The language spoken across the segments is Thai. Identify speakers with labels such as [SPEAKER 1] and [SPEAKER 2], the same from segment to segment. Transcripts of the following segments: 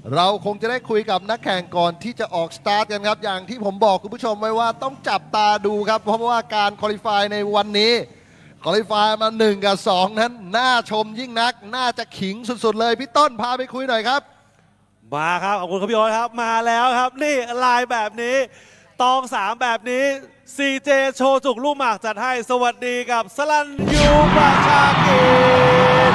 [SPEAKER 1] เราคงจะได้คุยกับนักแข่งก่อนที่จะออกสตาร์ทกันครับอย่างที่ผมบอกคุณผู้ชมไว้ว่าต้องจับตาดูครับเพราะว่าการคอลิฟายในวันนี้คอลิฟายมา1 กับ 2 นั้นน่าชมยิ่งนักน่าจะขิงสุดๆเลยพี่ต้นพาไปคุยหน่อยครับ
[SPEAKER 2] มาครับขอบคุณครับพี่โอ๊ตครับมาแล้วครับนี่ลายแบบนี้ตอง3แบบนี้ CJ โชจุกลูกหมากจัดให้สวัสดีกับสลันยูประชากิจ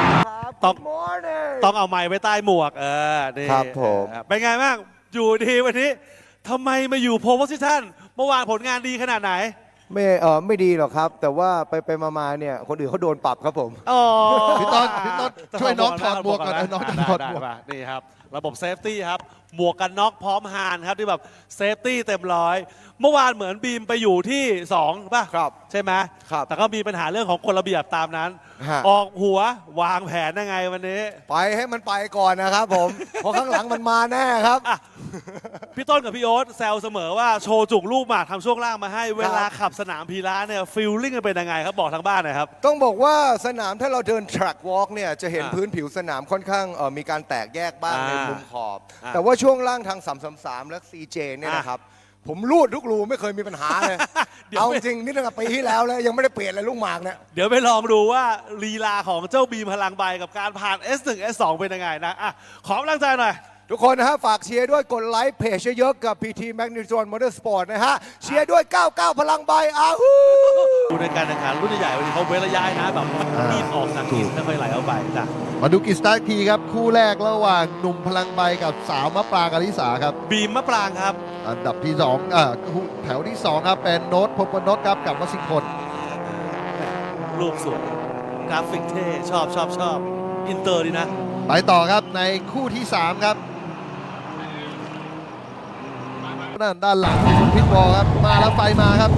[SPEAKER 2] ต้องเอาไม้ไว้ใต้หมวกนี่
[SPEAKER 3] ครับผม
[SPEAKER 2] เป็นไงบ้างอยู่ดีวันนี้ทำไมมาอยู่โพสิชันเมื่อวานผลงานดีขนาดไหน
[SPEAKER 3] ไม่ดีหรอกครับ แต่ว่าไปมาเนี่ยคนอื่นเขาโดนปรับครับผม
[SPEAKER 2] อ๋อ
[SPEAKER 1] พี่ต้นช่วยน้องถอดหมวกก่อนนะน้องถอดหมวก
[SPEAKER 2] นี่ครับระบบเซฟตี้ครับหมวกกันน็อกพร้อมฮานครับที่แบบเซฟตี้เต็มร้อยเมื่อวานเหมือนบีมไปอยู่ที่2ป่ะ
[SPEAKER 3] ครับ
[SPEAKER 2] ใช่ไหม
[SPEAKER 3] ครับ
[SPEAKER 2] แต่ก็มีปัญหาเรื่องของกฎระเบียบตามนั้น
[SPEAKER 3] ฮะ
[SPEAKER 2] ออกหัววางแผนยังไงวันนี้
[SPEAKER 3] ไปให้มันไปก่อนนะครับผม เพราะข้างหลังมันมาแน่ครับ
[SPEAKER 2] อ่ะพี่ต้นกับพี่โอ๊ตแซวเสมอว่าโชว์จุกลูกหมากทำช่วงล่างมาให้เวลาขับสนามพีระเนี่ยฟีลลิ่งมันเป็นยังไงครับบอกทางบ้านหน่อยครับ
[SPEAKER 3] ต้องบอกว่าสนามถ้าเราเดิน track walk เนี่ยจะเห็น
[SPEAKER 2] อ่า
[SPEAKER 3] พื้นผิวสนามค่อนข้างมีการแตกแยกบ้างในมุมขอบ
[SPEAKER 2] อ่า
[SPEAKER 3] แต่ว่าช่วงล่างทาง 333 และ CJ เนี่ยนะครับ ผมรูดทุกรูไม่เคยมีปัญหาเลย
[SPEAKER 2] เดี๋ยว
[SPEAKER 3] เอาจริงนี่ตั้งแต่ปีที่แล้วเลยยังไม่ได้เปลี่ยนเลยลูกหมากเนี่ย
[SPEAKER 2] เดี๋ยวไปลองดูว่าลีลาของเจ้าบีมพลังใบกับการผ่าน S1 S2 เป็นยังไงนะอ่ะขอกำลังใจหน่อย
[SPEAKER 3] ทุกคนนะฮะฝากเชียร์ด้วยกดไลค์เพจเยอะๆกับ PT Magnitude Motorsport นะฮะเชียร์ด้วย 99 พลังใบอาฮู
[SPEAKER 2] ดูในการแข่งขันรุ่นใหญ่ๆวันนี้เขาเว้นระยะนะแบบรีบออกจากกินไม่ค่อยไหลเอาไปจ้ะ
[SPEAKER 1] มาดูกิจสตาร์ททีครับคู่แรกระหว่างหนุ่มพลังใบกับสาวมะปรางอลิสาครับ
[SPEAKER 2] บีมมะปรางครับ
[SPEAKER 1] อันดับที่2แถวที่2ครับเป็นโน้ตพบนนท์ครับกับวสิงห์พล
[SPEAKER 2] รูปสวยกราฟิกเท่ชอบอินเตอร์ดีนะ
[SPEAKER 1] ไปต่อครับในคู่ที่ 3 ครับด้านหลังคุณพิทบอลครับมาแล้วไฟมาครับ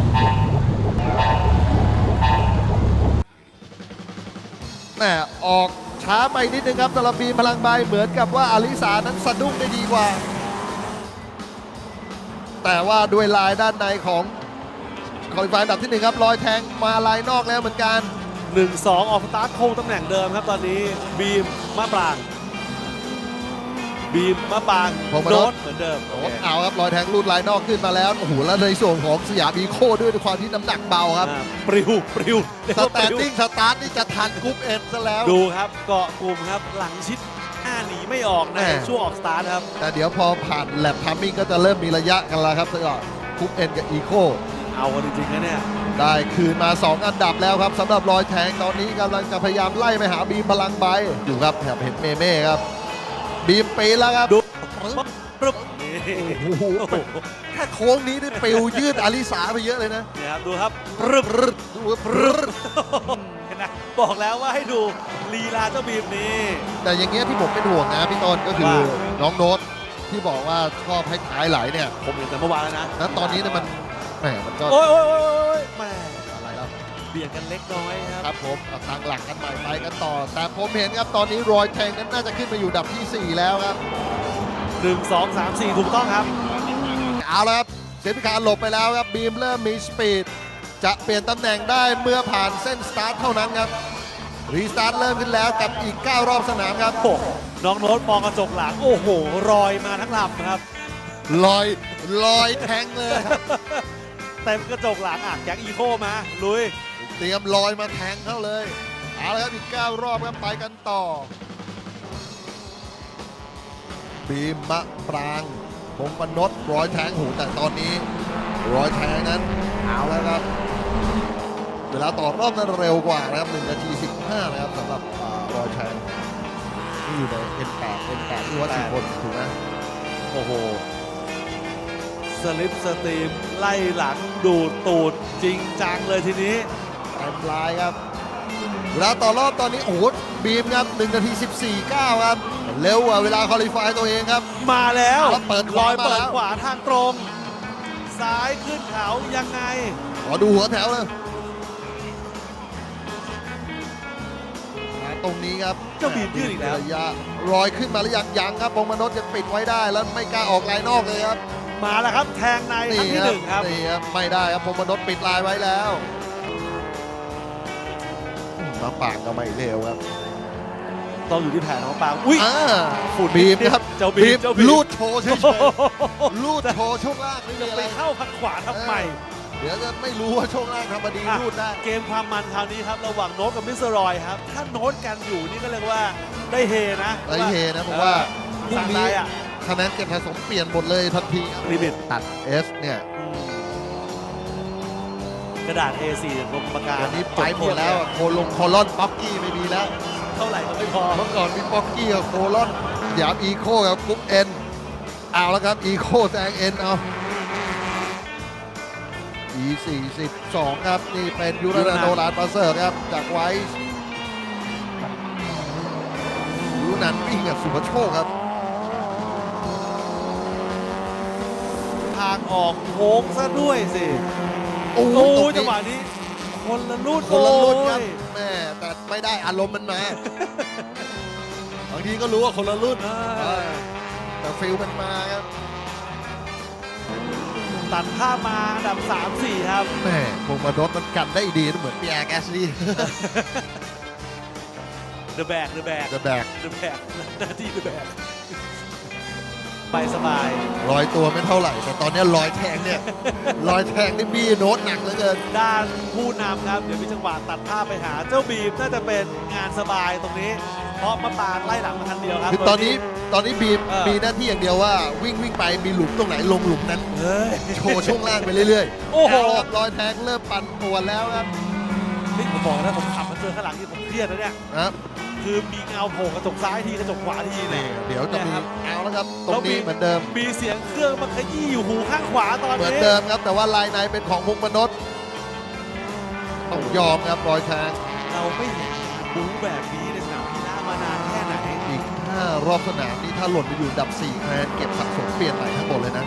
[SPEAKER 1] แหมออกช้าไปนิดนึงครับสำหรับบีมพลังใบเหมือนกับว่าอลิสานั้นสะดุ้งได้ดีกว่า แต่ว่าด้วยลายด้านในของคอลิฟายอันดับที่ 1 ครับรอยแทงมาลายนอกแล้วเหมือนกัน
[SPEAKER 2] 1-2 ออกสตาร์ทคงตำแหน่งเดิมครับตอนนี้บีมมะปรางบีมมะปราง
[SPEAKER 1] ผมมา
[SPEAKER 2] โด
[SPEAKER 1] โด
[SPEAKER 2] ด
[SPEAKER 1] ด
[SPEAKER 2] เหมือนเดิม
[SPEAKER 1] โอ้เอาครับรอยแทงรูดลายนอกขึ้นมาแล้วโอ้โหแล้วในส่วนของสยามอีโคด้วยความที่น้ำหนักเบาครับ
[SPEAKER 2] ปลิวเรียก
[SPEAKER 1] ส
[SPEAKER 2] ว่า
[SPEAKER 1] แต
[SPEAKER 2] ป
[SPEAKER 1] น
[SPEAKER 2] ลิว
[SPEAKER 1] ดิ้งสตาร์ทนี่จะทันกรุ๊ปเอ็นซะแล้ว
[SPEAKER 2] ดูครับเกาะกลุ่มครับหลังชิดหน้าหนีไม่ออกใน
[SPEAKER 1] แม่
[SPEAKER 2] ช่วงออกสตาร์ทครับ
[SPEAKER 1] แต่เดี๋ยวพอผ่านแลบทัมมิ่งก็จะเริ่มมีระยะกันแล้วครับสำหรับกรุ๊ปเอ็นกับอีโค
[SPEAKER 2] เอากันจริงๆนะเนี่ย
[SPEAKER 1] ได้คืนมา 2 อันดับแล้วครับสำหรับรอยแทงตอนนี้กำลังจะพยายามไล่ไปหาบีมพลังใบอยู่ครับแถบเห็นเมเม่ครับบีมปีนแล้วครับ
[SPEAKER 2] ดูปึ๊บนี่
[SPEAKER 1] โอ้โหแค่โค้งนี้ได้ปิวยืดอาริสาไปเยอะเลยนะ
[SPEAKER 2] เนี่ยครับดูครับปึ๊บ
[SPEAKER 1] ดูว่าปรึ๊ด
[SPEAKER 2] เห็นไหมบอกแล้วว่าให้ดูลีลาเจ้าบีมนี่
[SPEAKER 1] แต่อย่างเงี้ยที่ผมเป็นห่วงนะพี่ต้นก็คือ
[SPEAKER 2] ว่า
[SPEAKER 1] น้องโน้ตที่บอกว่าชอบให้ท้ายไหลเนี่ย
[SPEAKER 2] ผมเห็นแต่เมื่อวานแล้วนะ
[SPEAKER 1] แล้วตอนนี้เนี่ยมันแหมมันก็
[SPEAKER 2] โอ้ยแม่
[SPEAKER 1] อะไรแล้ว
[SPEAKER 2] เบียดกันเล็กน้อยค
[SPEAKER 1] ค
[SPEAKER 2] รั
[SPEAKER 1] รั
[SPEAKER 2] บบ
[SPEAKER 1] ผมเอาทางหลักกันใหม่ไปกันต่อ แต่ผมเห็นครับตอนนี้รอยแทงนั้นน่าจะขึ้นมาอยู่อันดับที่ 4 แล้วครับ
[SPEAKER 2] 1 2 3 4ถูกต้องครับ
[SPEAKER 1] เอาละครับเซฟพิคาร์หลบไปแล้วครับบีมเริ่มมีสปีดจะเปลี่ยนตำแหน่งได้เมื่อผ่านเส้นสตาร์ทเท่านั้นครับรีสตาร์ทเริ่มขึ้นแล้วกับอีก 9 รอบสนามครับ
[SPEAKER 2] โอ้โหน้องโน้ตมองกระจกหลังโอ้โหรอยมาทั้งลำครับ
[SPEAKER 1] ลอยแทงเลยครับ
[SPEAKER 2] เต็มกระจกหลังอ่ะแจ็คอีโคมาลุย
[SPEAKER 1] เตรียมลอยมาแทงเข้าเลยเอาละครับอีก 9 รอบครับไปกันต่อบีมมะปรางพงปนดร้อยแทงหูแต่ตอนนี้ร้อยแทงนั้นเอาแล้วครับเวลาต่อรอบนั้นเร็วกว่านะครับ1 นาที 15นะครับสำหรับร้อยแทงที่อยู่ใน N8 ที่วัดสิบคนถูกไหม
[SPEAKER 2] โอ้โหสลิปสตรีมไล่หลังดูดตูดจริงจังเลยทีนี้
[SPEAKER 1] เต็มลายครับเวลาต่อรอบตอนนี้โอ้โหบีมครับ1 นาที 14.9 ครับเร็วกว่าเวลาคอลิฟายตัวเองครับ
[SPEAKER 2] มาแล้ว
[SPEAKER 1] แล้วเปิดข
[SPEAKER 2] ล
[SPEAKER 1] วา
[SPEAKER 2] อย
[SPEAKER 1] มา
[SPEAKER 2] เปิ
[SPEAKER 1] แล้
[SPEAKER 2] ด
[SPEAKER 1] ว
[SPEAKER 2] ขวาทางตรง ซ้ายขึ้นเขายังไง
[SPEAKER 1] ขอดูหัวแถวเลยตรงนี้ครับ
[SPEAKER 2] เจ้าบีมยืดอีกแล้ว
[SPEAKER 1] ระยะรอยขึ้นมาหรือยังครับพงมนษยังปิดไว้ได้แล้วไม่กล้าออกลายนอกเลยครับ
[SPEAKER 2] มาแล้วครับแทงในครั้งที่หนึ่งครับ
[SPEAKER 1] นี่ครับไม่ได้ครับพงมนษปิดลายไว้แล้วมาปากก็ไม่เร็วครับ
[SPEAKER 2] ต้องอยู่ที่แผนของปางอุ้ย
[SPEAKER 1] ฝุ่นบีมครับ
[SPEAKER 2] เจ้าบีม
[SPEAKER 1] ลูดโชว์เฉยๆลูดโชว์ช่วงล่างไม่มีอะ
[SPEAKER 2] ไป
[SPEAKER 1] ไร
[SPEAKER 2] เข้าพันขวาทำไม
[SPEAKER 1] เดี๋ยวจะไม่รู้ว่าช่วงล่างทำมาดีลูดได้
[SPEAKER 2] เกมความมันคราวนี้ครับระหว่างโน้ตกับมิสเตอร์รอยครับ ถ้าโน้ตกันอยู่นี่ก็เรียกว่าได้เฮนะ
[SPEAKER 1] ได้เฮนะเพราะว่าพรุ่ง
[SPEAKER 2] สั่ง
[SPEAKER 1] นี้
[SPEAKER 2] ได้อ่ะ
[SPEAKER 1] คะแนนเก็บสะสมเปลี่ยนหมดเลยทันทีครับ
[SPEAKER 2] ลิมิต
[SPEAKER 1] ตัด S เนี่ย
[SPEAKER 2] กระดาษ A4 ลงปากกา
[SPEAKER 1] อันนี้ไปหมดแล้วอะโคลงโคลอนป๊อกกี้ไม่มีแล้ว
[SPEAKER 2] เท่าไหร่ก็ไม่พอ
[SPEAKER 1] เมื่อก่อนมีป๊อกกี้กับโคลอนหยามอีโคกับกรุ๊ปเอ็นเอาแล้วครับอีโคแซงเอ็นเอา E42 ครับนี่เป็นยูรานาโนลานปาเซอร์ครับจากไวส์ยูนันวิ่งกับสุภโชคครับ
[SPEAKER 2] ทางออกโค้งซะด้วยสิ
[SPEAKER 1] โอ้
[SPEAKER 2] โอ้
[SPEAKER 1] ตรง
[SPEAKER 2] จัง
[SPEAKER 1] นี้
[SPEAKER 2] หวะนี้คนละรุ่น
[SPEAKER 1] คนละรุ่นครับ
[SPEAKER 2] โอ้ย
[SPEAKER 1] แม่แต่ไม่ได้อารมณ์มันมา บางทีก็รู้ว่าคนละรุ่น แต่ฟิลมันมาครับ
[SPEAKER 2] ตัดภาพมาอันดับ 3-4 ครับ
[SPEAKER 1] แม่พงมาดดมันกันได้ดีเหมือนปีแอร์แกสลี่
[SPEAKER 2] The Bag The Bag
[SPEAKER 1] จะแบก
[SPEAKER 2] The Bag หน้าที่ The Bag ไปสบาย
[SPEAKER 1] รอยตัวไม่เท่าไหร่ แต่ตอนนี้รอยแทงเนี่ย รอยแทงนี่บี้โน้ตหนักเหลือเกิน
[SPEAKER 2] ด้านผู้นำครับ เดี๋ยวมีจังหวะตัดภาพไปหาเจ้าบีมน่าจะเป็นงานสบายตรงนี้ เพราะมะปางไล่หลังมาทันเดียวครับ
[SPEAKER 1] คือตอนนี้บีม
[SPEAKER 2] เออ
[SPEAKER 1] มีหน้าที่อย่างเดียวว่าวิ่งไปมีหลุมตรงไหนลงหลุมนั้น
[SPEAKER 2] เฮ้ย
[SPEAKER 1] โชว์ช่วงล่างไปเรื่อยๆ
[SPEAKER 2] โอ้โห
[SPEAKER 1] เาละครับรอยแทงเริ่มปั่นป่วนแล้วครับ
[SPEAKER 2] นี่ผมบอกนะผมขับมาเจอข้างหลังที่ผมเครียดนะเนี่ย
[SPEAKER 1] ครับ
[SPEAKER 2] คือมีเงาโผล่กระจกซ้ายทีกระจกขวาทีเนี่
[SPEAKER 1] นี่
[SPEAKER 2] ย
[SPEAKER 1] เดี๋ยวจะมี
[SPEAKER 2] นะครับ
[SPEAKER 1] เอาแล้วครับ ตรงนี้เหมือนเดิม
[SPEAKER 2] มีเสียงเครื่องมาขยี้อยู่หูข้างขวาตอน
[SPEAKER 1] เหมือน
[SPEAKER 2] นี้
[SPEAKER 1] เดิมครับ แต่ว่าลายในเป็นของพงมนษต้องยอมครับรอยแทง
[SPEAKER 2] เราไม่เห็นบู๊แบบนี้ในสนามกีฬามานานแค่ไหน
[SPEAKER 1] อีก5รอบสนามนี่ถ้าหล่นไปอยู่อันดับ4คะแนนเก็บสะสมเปลี่ยนใหม่ทั้งหมดเลยนะ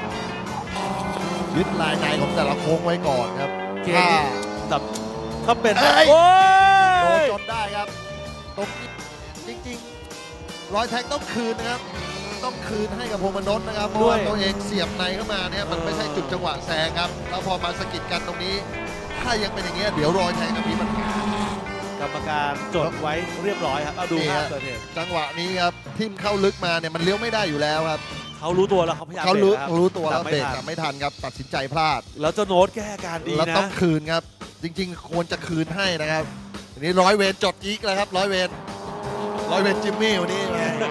[SPEAKER 1] ยึดลายในของแต่ละโค้งไว้ก่อนครับ
[SPEAKER 2] เกมนี้แบบถ้าเป็น
[SPEAKER 1] เอ้ย
[SPEAKER 2] โอ้
[SPEAKER 1] โดน
[SPEAKER 2] ย
[SPEAKER 1] จนได้ครับตรงนี้จริงๆรอยแทงต้องคืนนะครับ ต้องคืนให้กับพงมนษนะครับเพราะว่าตัวเองเสียบในเข้ามาเนี่ยมันไม่ใช่จุดจังหวะแซงครับแล้วพอมาสะกิดกันตรงนี้ ถ้ายังเป็นอย่างเงี้ยเดี๋ยวรอยแทงจะมีปัญหาก
[SPEAKER 2] รรมการจดไว้เรียบร้อยครับเอาดูภาพเกิดเหตุ
[SPEAKER 1] จังหวะนี้ครับทิ่มเข้าลึกมาเนี่ยมันเลี้ยวไม่ได้อยู่แล้วครับ
[SPEAKER 2] เขารู้ตัวแล้วเขาพยายาม
[SPEAKER 1] เขารู้
[SPEAKER 2] บรกคบ
[SPEAKER 1] รู้ตัวแล้ว
[SPEAKER 2] แต่
[SPEAKER 1] เบรก
[SPEAKER 2] ไม่ทัน
[SPEAKER 1] แต่ไม่ทันครับตัดสินใจพลาด
[SPEAKER 2] แล้วเจ้าโน้ตแก้อาการดี
[SPEAKER 1] แล้ว
[SPEAKER 2] นะ
[SPEAKER 1] ต้องคืนครับ จริงๆ ควรจะคืนให้นะครับทีนี้ร้อยเวรจดอีกแล้วครับร้อยเวรจิมมี่วันนี้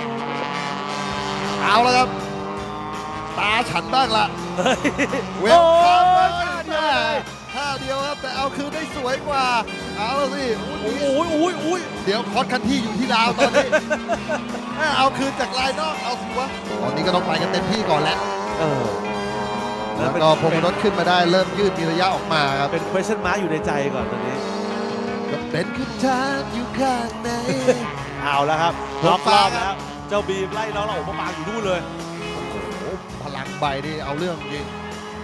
[SPEAKER 1] เอาแล้วครับ ตาฉันบ้างละ
[SPEAKER 2] เฮ้ย
[SPEAKER 1] เวลคัม
[SPEAKER 2] โอ้
[SPEAKER 1] มาย ท่าเดียวครับแต่เอาคืนได้สวยกว่า เอาแล้วสิ
[SPEAKER 2] โอ้ยโอ้ยโอ้ย
[SPEAKER 1] เดี๋ยวคอสคันที่อยู่ที่ลาวตอนนี้ เอาคืนจากลายนอกเอาสิวะตอนนี้ก็ต้องไปกันเต็มที่ก่อนแล้ว
[SPEAKER 2] เออ
[SPEAKER 1] แล้วก็พงรถขึ้นมาได้เริ่มยืดมีระยะออกมาครับ
[SPEAKER 2] เป็น question mark อยู่ในใจก่อนตอนนี้
[SPEAKER 1] ก็เป็นคำถามอยู่ข้างใน
[SPEAKER 2] เอาแล้วครับ
[SPEAKER 1] ผม
[SPEAKER 2] ล็อกรอบ
[SPEAKER 1] ฟังครับ
[SPEAKER 2] แล้ว เจ้าบีมไล่น้องเราโอ้โหปางอยู่นู่นเลย
[SPEAKER 1] โอ้พลังใบนี่เอาเรื่องจริง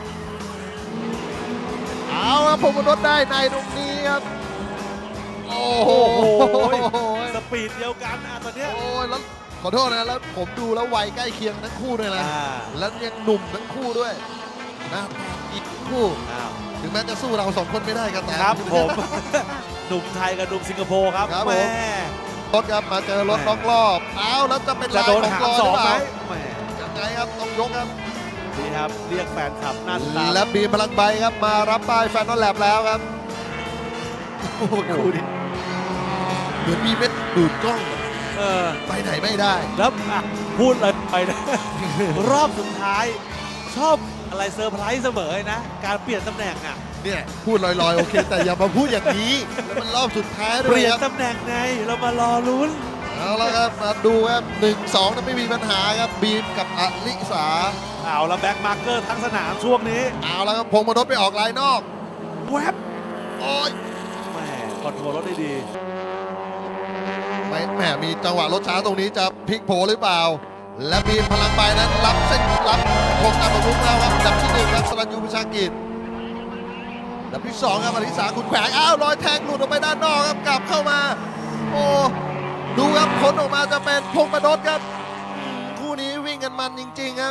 [SPEAKER 1] เอาครับผมรถได้ในตรงนี้ครับ โอ้โห
[SPEAKER 2] สปีดเดียวกันนะตอนเนี้ย
[SPEAKER 1] โอ้ยแล้วขอโทษนะแล้วผมดูแล้ววัยใกล้เคียงทั้งคู่เลยนะ
[SPEAKER 2] อ่า
[SPEAKER 1] แล้วยังหนุ่มทั้งคู่ด้วยนะอีกคู่
[SPEAKER 2] อ้าว
[SPEAKER 1] ถึงแม้จะสู้เราสองคนไม่ได้ก็ตาม
[SPEAKER 2] ครับผม หนุ่มไทยกับหนุ่มสิงคโปร์ครับ
[SPEAKER 1] ครับผม
[SPEAKER 2] แม่
[SPEAKER 1] รถครับมาเจอรถล็อกรอบเอาแล้วจะเป็น
[SPEAKER 2] จะ
[SPEAKER 1] ลาย
[SPEAKER 2] โดน
[SPEAKER 1] ของ
[SPEAKER 2] หาม
[SPEAKER 1] รอ
[SPEAKER 2] ส
[SPEAKER 1] ห
[SPEAKER 2] อ
[SPEAKER 1] รื
[SPEAKER 2] ง
[SPEAKER 1] อเป
[SPEAKER 2] ไหม
[SPEAKER 1] ล่า
[SPEAKER 2] แหม
[SPEAKER 1] ยังไงครับต้องยกครับ
[SPEAKER 2] นี่ครับเรียกแฟนคลับหนั่นตาม
[SPEAKER 1] และบีมพลังใบครับมารับป้ายแฟนนอลแลบแล้วครับโอ้โหดูดิเหมือนมีเม็ดดูดกล้อง
[SPEAKER 2] เออ
[SPEAKER 1] ไปไหนไม่ได้
[SPEAKER 2] แล้วอ่ะพูดเลยไปนะ รอบสุดท้าย ชอบอะไรเซอร์ไพรส์เสมอนะ การเปลี่ยนตำแหน่งอ่ะ
[SPEAKER 1] เนี่ยพูดลอยๆโอเค แต่อย่ามาพูดอย่างนี้แล้วมันรอบสุดท้ายด้
[SPEAKER 2] เป
[SPEAKER 1] วย
[SPEAKER 2] ลี่ยน
[SPEAKER 1] ครับ
[SPEAKER 2] ตำแหน่งไงเรามารอลุ้น
[SPEAKER 1] เอาละครับมาดูครับ1-2นั้นไม่มีปัญหาครับบีมกับอลิสา
[SPEAKER 2] เอาแล้วแบ็กมาร์เกอร์ทั้งสนามช่วงนี้
[SPEAKER 1] เอาละครับพงมนษไปออกลายนอก
[SPEAKER 2] แวบ
[SPEAKER 1] โอ้ย
[SPEAKER 2] แหมคอนโทรลรถได้ดี
[SPEAKER 1] ไม่แหมมีจังหวะรถช้าตรงนี้จะพลิกโผหรือเปล่า และบีมพลังใบนั้นรับเส้นรับโคงตามประมุขแล้วครับอันดับที่1ครับสรัญยูประชากิจอันดับที่2ครับอลิสาขุนแขวงอ้าวรอยแทงหลุดออกไปด้านนอกครับกลับเข้ามา โอ้ดูครับผลออกมาจะเป็นพงมนษครับคู่นี้วิ่งกันมันจริงๆครับ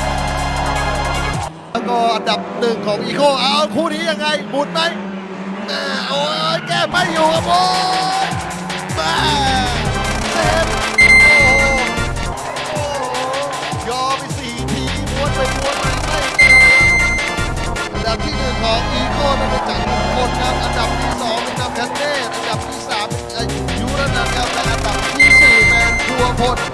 [SPEAKER 1] แล้วก็อันดับ1ของอีโคเอาคู่นี้ยังไงหมุนไหมโอ้ยแก้ไม่อยู่ครับโอ้ยมาเซฟโอ้โหโอ้โหยอมไป4 ทีม้วนไปม้วนมาไม่เจออันดับที่ 1 ของอีโก้เป็นจักรมงคลครับอันดับที่ 2 เป็นนำแคนเน่อันดับที่ 3 เป็นยุรนันท์ครับและอันดับที่ 4 เป็นพัวพล